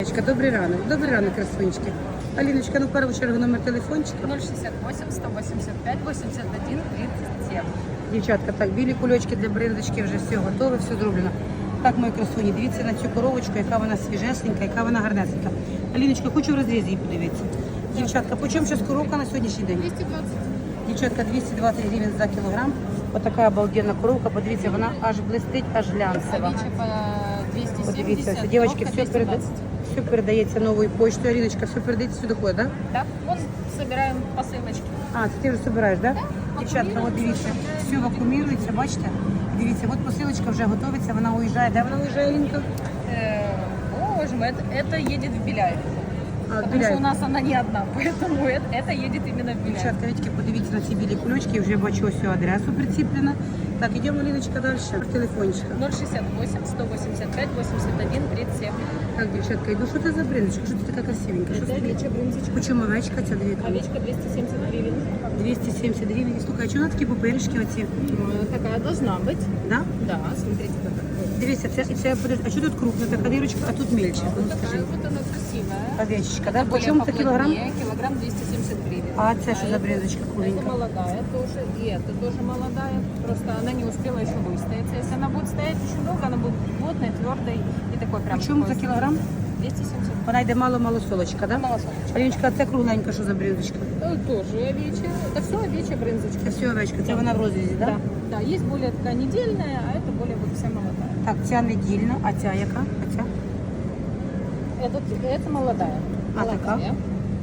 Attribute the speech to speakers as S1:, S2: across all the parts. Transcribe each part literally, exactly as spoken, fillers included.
S1: Аліночка, добрий ранок, добрий ранок, красунечки. Аліночка, ну в першу чергу номер телефончика.
S2: ноль шестьдесят восемь сто восемьдесят пять восемьдесят один тридцать семь.
S1: Дівчатка, так, білі кульочки для брендочки вже все готове, все зроблено. Так, мої красуні, дивіться на цю коровочку, яка вона свіжесенька, яка вона гарнесенька. Аліночка, хочу в розрізі її подивитися. Дівчатка, по чому зараз коровка на сьогоднішній день?
S2: двести двадцать.
S1: Дівчатка, двісті двадцять гривень за кілограм. Отака обалденна коровка, подивіться, вона аж блистить, аж глянцева.
S2: Овечья по двести
S1: Подивіться,
S2: семьдесят,
S1: все, дівчатки,
S2: коровка
S1: все, переда...
S2: двести двадцать.
S1: все передається новою почтою. Аліночка, все передається сюди ходить, так? Да?
S2: Да, вон собираем посылочки.
S1: А, це ти вже збираєш, так? Да?
S2: Да,
S1: Дівчатка, от дивіться,
S2: вакуумірується,
S1: все вакуумірується, бачите? Дивіться, от посилочка вже готується, вона уїжджає. Де вона уїжджає, Лінка?
S2: Э, Боже мой, это, это едет в Беляев.
S1: А,
S2: Потому
S1: Біляєв.
S2: что у нас она не одна, поэтому это, это едет именно в Беляев.
S1: Дівчатка, Вітьки, подивіться на ці білі кульочки, вже бачу ось цю адресу приціплена. Так, йдемо, Ліночка, далі. Телефончика.
S2: ноль шестьдесят восемь сто восемьдесят пять восемьдесят один тридцать семь.
S1: Так, дівчатка, йду, що це за брендочка? Що це така красивенька? Що
S2: Это
S1: це?
S2: овечья брынзочка.
S1: Почому овечка ця дві?
S2: Овечка двести семьдесят гривен.
S1: двісті сімдесят гривень. Слухай, а чого на такі пупиришки оці?
S2: Э, Такая должна быть.
S1: Да?
S2: Да, смотрите, какая.
S1: Дивіться, це, це, а що тут крупна така дирочка, а тут мельче?
S2: Вот
S1: Ну,
S2: такая
S1: скажи.
S2: вот она красивая.
S1: Овечечка, да?
S2: Более
S1: Почому це кілограм?
S2: поплотнее, килограмм двести семьдесят гривен.
S1: А це що за брендочка
S2: Это
S1: куленька?
S2: молодая тоже, и это тоже молодая. Просто она не успела еще выстояться. Если она будет стоять очень долго, она будет плотной, твердой и такой прям.
S1: Почому
S2: такой
S1: за кілограм?
S2: двести семьдесят.
S1: Вона йде мало-мало солочка, да?
S2: Малосолочка.
S1: Аліночка, а це кругленька, що за брендочка?
S2: Э, Тоже овечья. Это все овечья брынзочка.
S1: Це все овечка, це вона в розрізі, да?
S2: Да. Да, есть более такая недельная, а это более вот вся молодая.
S1: Так, ця недільна, а ця яка? А ця?
S2: Это, это молодая.
S1: А такая?
S2: Молодая.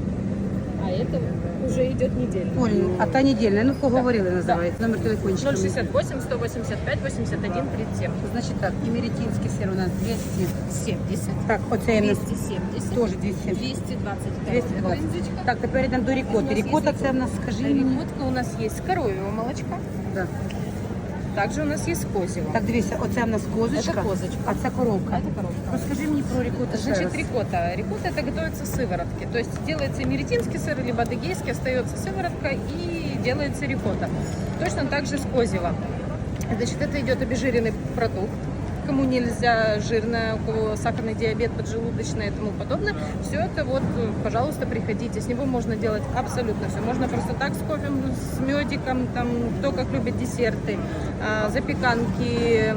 S2: А это уже идет недельная.
S1: Олень, а та недільна, ну поговорили, називається. Номер телефончика.
S2: ноль шестьдесят восемь сто восемьдесят пять восемьдесят один тридцать семь.
S1: Значить так, імеретинський сир у нас двісті.
S2: семьдесят.
S1: Так, оце у нас
S2: двести семьдесят.
S1: теж двісті сімдесят.
S2: двести двадцать.
S1: двісті двадцять.
S2: Брынзочка.
S1: Так, тепер йдемо до
S2: У
S1: рікоти.
S2: нас
S1: Рікота
S2: є
S1: це в нас, скажи мені.
S2: Рикотка у нас есть коровьего молочка.
S1: Да.
S2: Также у нас есть козьего.
S1: Так, дивіться, оце в нас козочка,
S2: Це козочка.
S1: а це коровка.
S2: Это коровка.
S1: Розкажи мені про рікоту ще
S2: Значит,
S1: раз.
S2: рикотта. Рикотта это готовится с сыворотки. То есть делается меретинский сыр, либо адыгейский, остается сыворотка и делается рикотта. Точно так же с козьего. Значит, это идет обезжиренный продукт. Кому нельзя жирное, у кого сахарный диабет, поджелудочное и тому подобное, все это вот, пожалуйста, приходите. С него можно делать абсолютно все. Можно просто так с кофе, с медиком, там, кто как любит десерты, а, запеканки,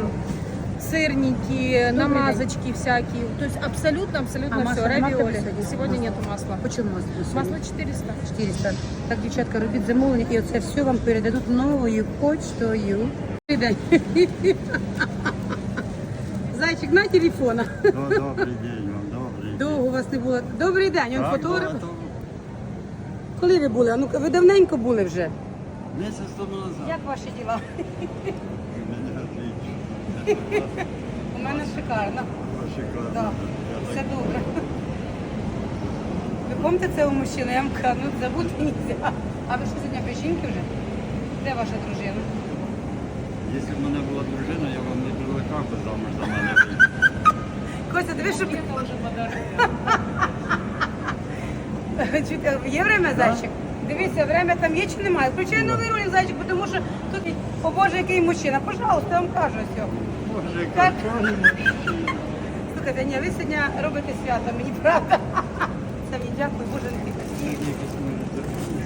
S2: сырники, намазочки всякие. То есть абсолютно-абсолютно
S1: А
S2: все.
S1: масла нема
S2: Равиоли.
S1: сьогодні?
S2: Сегодня нету масла.
S1: Почому масло?
S2: Масло четыреста.
S1: чотириста. Так, дівчатка, робіть замовлення і оце все вам передадуть новою почтою. Добрий день. Зайчик, на телефона.
S3: Ну, добрий день вам, добрий.
S1: Довго у вас не було. Добрий день, він
S3: Так,
S1: фотограф.
S3: багато.
S1: Коли ви були? А ну ви давненько були вже.
S3: Місяць тому назад.
S1: Як ваші діла?
S3: У мене отлично.
S1: У мене шикарно.
S3: Шикарно.
S1: Да. Все добре. Ви пам'ятаєте цього мужчину? Я вам кажу, ну забути нельзя. А ви що сьогодні без жінки вже? Де ваша дружина?
S3: Якщо б в мене була дружина, я вам не привлекав би замуж за мене вийти.
S1: Костя, диви, щоб...
S2: Мне тоже подарок.
S1: Чуєте, є время, зайчик? Дивіться, время там є чи немає? Включай новий ролик, зайчик, тому що тут, о Боже, який мужчина. Пожалуйста, я вам кажу все.
S3: Боже,
S1: Так.
S3: який мужчина.
S1: Слухайте, ні, ви сьогодні робите свято, мені правда. Це мені дякую, Боже, не тільки.
S3: Якось може зробити.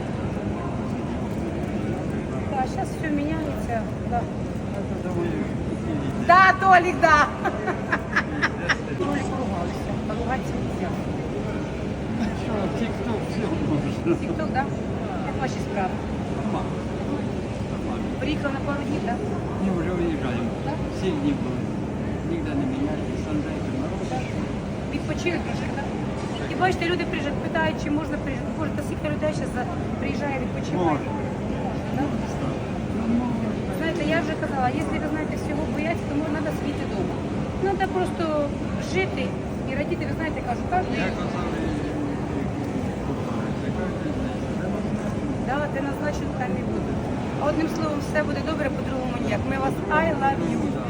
S1: Так, зараз все міняється. Да.
S3: Я думаю,
S1: Да, Толік, да. Толік поругалися. Поругатися не можна.
S3: що, тік-ток все можна.
S1: Тік-ток, да? Як ваші справи?
S3: Нормально. Нормально.
S1: Приїхав на пару днів, так?
S3: Ні, вже виїжджаємо.
S1: Так?
S3: Сім днів були. Ніде не міняється, санжайки мороз.
S1: Відпочили трошки, так? І бачите, люди приїжджають, питають, чи можна приїжджати. Боже, та скільки людей зараз приїжджає відпочивати.
S3: Можна.
S1: Можна, да? Знаєте, я вже казала, якщо ви знаєте всього бояться, то треба сидіти вдома. Треба просто жити і радіти, ви знаєте, кажу, кожен.
S3: Я казав, і
S1: Да, де назначено, там і буде. А одним словом, все буде добре, по-другому ніяк. Ми вас I love you.